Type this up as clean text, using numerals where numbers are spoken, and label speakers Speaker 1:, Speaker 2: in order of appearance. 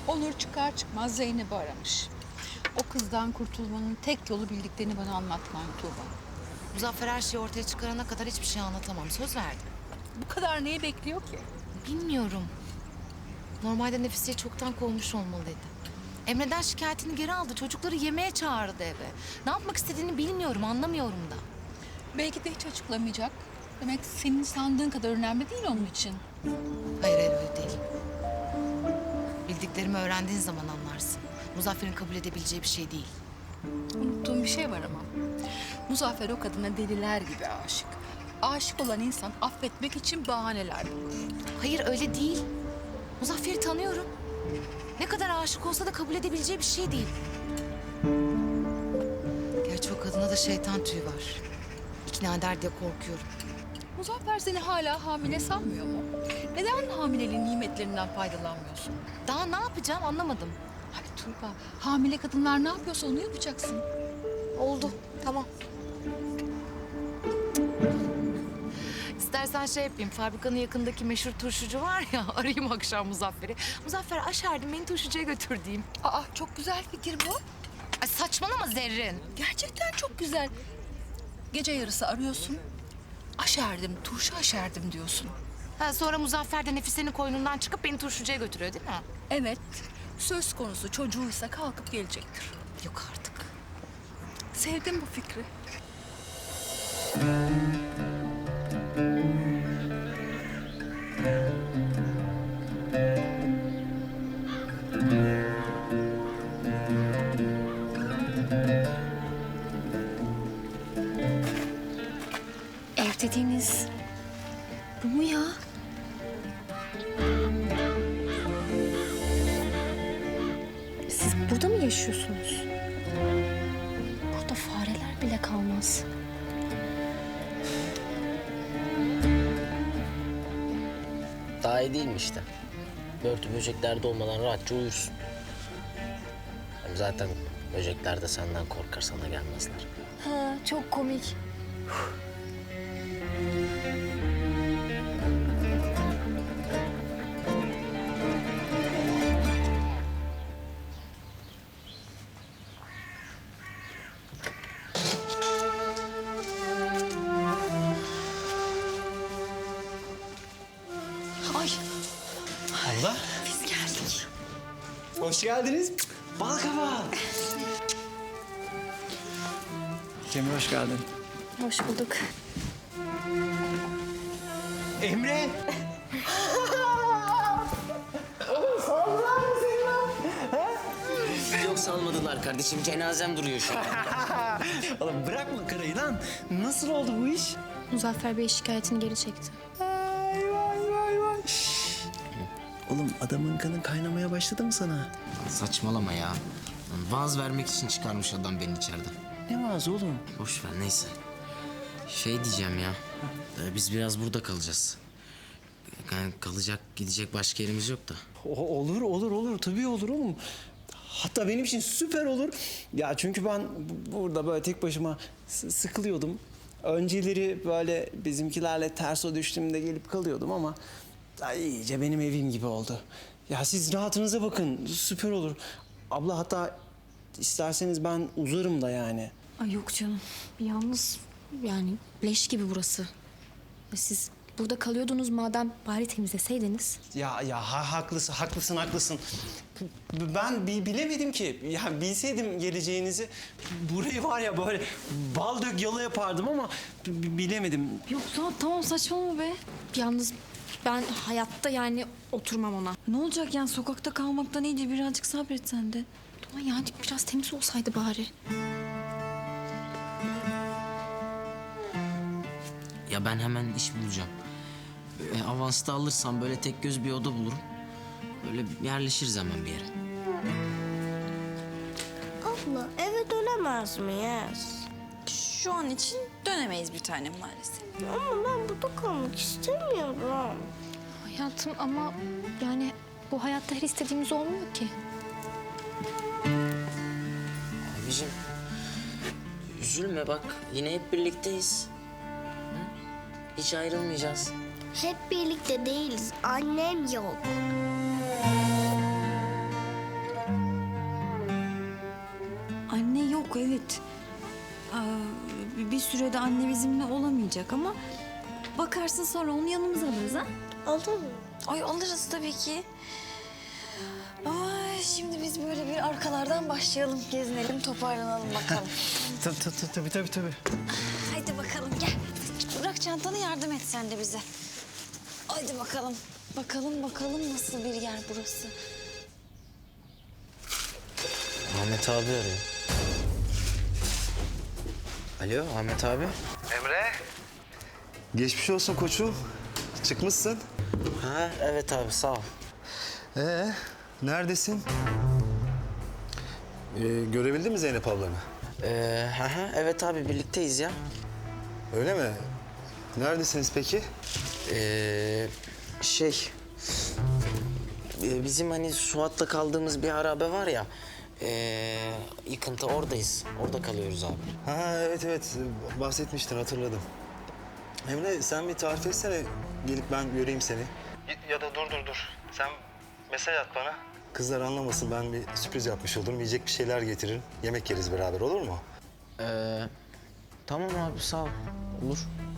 Speaker 1: Onur çıkar çıkmaz Zeynep'i aramış. O kızdan kurtulmanın tek yolu bildiklerini bana anlatman Tuğba.
Speaker 2: Muzaffer her şeyi ortaya çıkarana kadar hiçbir şey anlatamam. Söz verdim.
Speaker 1: Bu kadar neyi bekliyor ki?
Speaker 2: Bilmiyorum. Normalde Nefise'yi çoktan kovmuş olmalıydı. Emre'den şikayetini geri aldı. Çocukları yemeğe çağırdı eve. Ne yapmak istediğini bilmiyorum, anlamıyorum da.
Speaker 1: Belki de hiç açıklamayacak. Demek senin sandığın kadar önemli değil onun için.
Speaker 2: Hayır, hayır öyle değil. Bildiklerimi öğrendiğin zaman anlarsın. Muzaffer'in kabul edebileceği bir şey değil.
Speaker 1: Unuttuğum bir şey var ama. Muzaffer o kadına deliler gibi aşık. Aşık olan insan affetmek için bahaneler bulur.
Speaker 2: Hayır öyle değil. Muzaffer'i tanıyorum. Ne kadar aşık olsa da kabul edebileceği bir şey değil. Gerçi o kadına da şeytan tüyü var. İkna eder diye korkuyorum.
Speaker 1: Muzaffer seni hala hamile sanmıyor mu? Neden hamileliğin nimetlerinden faydalanmıyorsun?
Speaker 2: Daha ne yapacağım anlamadım.
Speaker 1: Ay Tuğba, hamile kadınlar ne yapıyorsa onu yapacaksın.
Speaker 2: Oldu, tamam. İstersen şey yapayım, fabrikanın yakındaki meşhur turşucu var ya, arayayım akşam Muzaffer'i. Muzaffer aşerdim, beni turşucuya götür diyeyim.
Speaker 1: Aa, çok güzel fikir bu.
Speaker 2: Ay saçmalama Zerrin.
Speaker 1: Gerçekten çok güzel. Gece yarısı arıyorsun. Aşerdim, turşu aşerdim diyorsun.
Speaker 2: Ha, sonra Muzaffer de Nefise'nin koynundan çıkıp beni turşucuya götürüyor değil mi?
Speaker 1: Evet, söz konusu çocuğuysa kalkıp gelecektir.
Speaker 2: Yok artık.
Speaker 1: Sevdim bu fikri.
Speaker 3: Ev dediğiniz bu mu ya? Siz burada mı yaşıyorsunuz? Burada fareler bile kalmaz.
Speaker 4: Daha iyi değil mi işte? Börtü böceklerde olmadan rahatça uyursun. Hem zaten böcekler de senden korkar, sana gelmezler.
Speaker 3: Ha, çok komik. Ay,
Speaker 5: Abla,
Speaker 3: biz geldik.
Speaker 5: hoş geldiniz. Bal kabağı. Cemre hoş geldin.
Speaker 3: Hoş bulduk.
Speaker 5: Emre.
Speaker 4: Yok salmadılar kardeşim, cenazem duruyor şu an.
Speaker 5: Oğlum bırakma karayı lan. Nasıl oldu bu iş?
Speaker 3: Muzaffer Bey şikayetini geri çekti.
Speaker 5: Vay. Oğlum adamın kanı kaynamaya başladı mı sana?
Speaker 4: Saçmalama ya. Vaaz vermek için çıkarmış adam beni içeriden.
Speaker 5: Ne vaazı oğlum?
Speaker 4: Boş ver neyse. Şey diyeceğim ya. Biz biraz burada kalacağız. Yani kalacak, gidecek başka yerimiz yok da.
Speaker 5: Olur. Tabii olur oğlum. Hatta benim için süper olur. Ya çünkü ben burada böyle tek başıma sıkılıyordum. Önceleri böyle bizimkilerle ters o düştüğümde gelip kalıyordum ama iyice benim evim gibi oldu. Ya siz rahatınıza bakın, süper olur. Abla hatta isterseniz ben uzarım da yani.
Speaker 3: Ay yok canım. Yalnız yani leş gibi burası. Siz burada kalıyordunuz madem bari temizleseydiniz.
Speaker 5: Haklısın. Ben bilemedim ki. Ya bilseydim geleceğinizi burayı var ya böyle bal dök yalı yapardım ama bilemedim.
Speaker 3: Yok tamam saçmalama be. Yalnız ben hayatta yani oturmam ona.
Speaker 6: Ne olacak yani sokakta kalmaktan iyice birazcık sabret sen de.
Speaker 3: Ama yani biraz temiz olsaydı bari.
Speaker 4: Ya ben hemen iş bulacağım. Avansta alırsam böyle tek göz bir oda bulurum. Böyle yerleşiriz hemen bir yere.
Speaker 7: Abla eve dönemez miyiz?
Speaker 6: Şu an için dönemeyiz bir tanem maalesef.
Speaker 7: Ama ben burada kalmak istemiyorum.
Speaker 3: Hayatım ama yani bu hayatta her istediğimiz olmuyor ki.
Speaker 4: Abicim üzülme bak yine hep birlikteyiz. Hı? Hiç ayrılmayacağız.
Speaker 7: Hep birlikte değiliz. Annem yok.
Speaker 6: yok evet. Bir sürede anne bizimle olamayacak ama bakarsın sonra onu yanımıza alırız ha?
Speaker 7: Olur mu?
Speaker 6: Ay alırız tabii ki. Ay şimdi biz böyle bir arkalardan başlayalım, gezinelim, toparlanalım bakalım.
Speaker 5: Tabii.
Speaker 6: Haydi bakalım gel. Bırak çantanı, yardım et sen de bize. Haydi bakalım. Bakalım nasıl bir yer burası.
Speaker 4: Ahmet abi arıyor. Alo Ahmet abi.
Speaker 8: Emre. Geçmiş olsun koçum. Çıkmışsın.
Speaker 4: Ha evet abi sağ ol.
Speaker 8: Neredesin? Görebildin mi Zeynep ablanı?
Speaker 4: Evet abi birlikteyiz ya.
Speaker 8: Öyle mi? Neredesiniz peki?
Speaker 4: Bizim hani Suat'la kaldığımız bir harabe var ya. Yıkıntı oradayız. Orada kalıyoruz abi.
Speaker 8: Ha evet bahsetmiştin hatırladım. Emre sen bir tarif etsene gelip ben göreyim seni. Ya da dur. Sen mesaj at bana. Kızlar anlamasın, ben bir sürpriz yapmış olurum. Yiyecek bir şeyler getiririm. Yemek yeriz beraber, olur mu?
Speaker 4: Tamam abi sağ ol. Olur.